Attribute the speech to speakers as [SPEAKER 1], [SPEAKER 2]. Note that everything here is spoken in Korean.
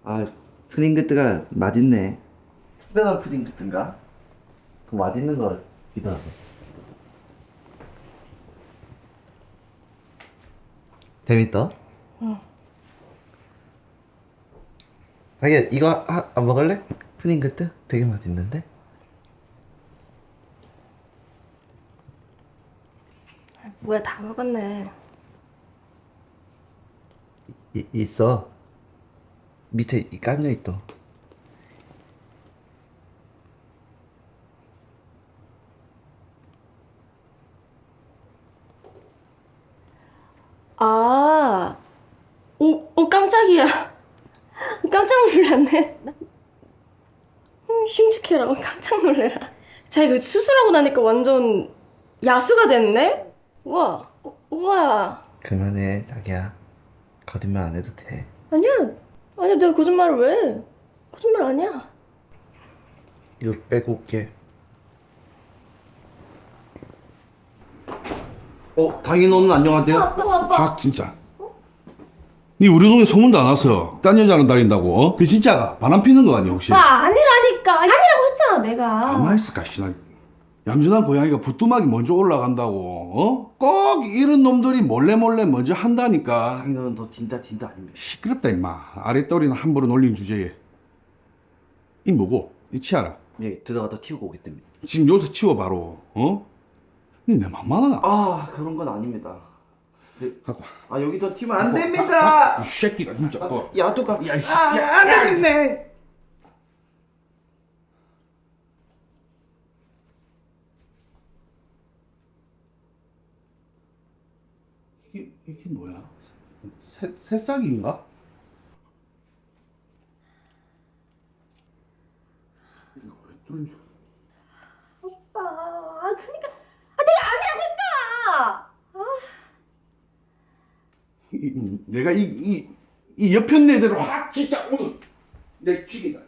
[SPEAKER 1] 아, 푸딩그트가 맛있네. 특별한 푸딩그트인가? 더 맛있는 거 같기도 하고. 재밌다?
[SPEAKER 2] 응.
[SPEAKER 1] 자기야, 이거 안 먹을래? 푸딩그트? 되게 맛있는데?
[SPEAKER 2] 뭐야, 다 먹었네.
[SPEAKER 1] 있어. 밑에 깔려 있어.
[SPEAKER 2] 아, 깜짝이야. 깜짝 놀랐네. 흉측해라, 깜짝 놀래라. 자, 이거 수술하고 나니까 완전 야수가 됐네? 우와, 우와.
[SPEAKER 1] 그만해, 자기야. 거짓말 안 해도 돼.
[SPEAKER 2] 아니야, 아니야, 내가 거짓말을 왜 해? 거짓말 아니야.
[SPEAKER 1] 이거 빼고 올게. 당인 오늘 안녕하세요.
[SPEAKER 3] 박 진짜. 니 우리 동네 소문도 안 왔어. 딴 여자랑 다닌다고. 어? 그 진짜가 바람 피는 거 아니야 혹시?
[SPEAKER 2] 아니라니까. 아니라고 했잖아, 내가.
[SPEAKER 3] 가만 있을까 씨나. 얌전한 고양이가 부뚜막이 먼저 올라간다고. 어? 꼭 이런 놈들이 몰래 먼저 한다니까.
[SPEAKER 1] 당인 오늘 너 진짜 아닙니다.
[SPEAKER 3] 시끄럽다 임마. 아랫도리는 함부로 놀린 주제에. 이 뭐고? 이 치아라.
[SPEAKER 1] 예, 들어가다 튀우고 오겠답니다.
[SPEAKER 3] 지금 여기서 치워 바로. 어? 니 내 맘만 하나?
[SPEAKER 1] 그런 건 아닙니다.
[SPEAKER 3] 갖고 와.
[SPEAKER 1] 여기 더 튀면 안 됩니다.
[SPEAKER 3] 이 새끼가 진짜.
[SPEAKER 1] 야두가.
[SPEAKER 3] 안 되겠네. 이게 뭐야? 새싹인가? 이거 왜 뚫려?
[SPEAKER 2] 오빠, 그러니까 내가 아니라고 했잖아.
[SPEAKER 3] 내가 이 옆편 애들을 확 진짜 오늘 내 죽인다.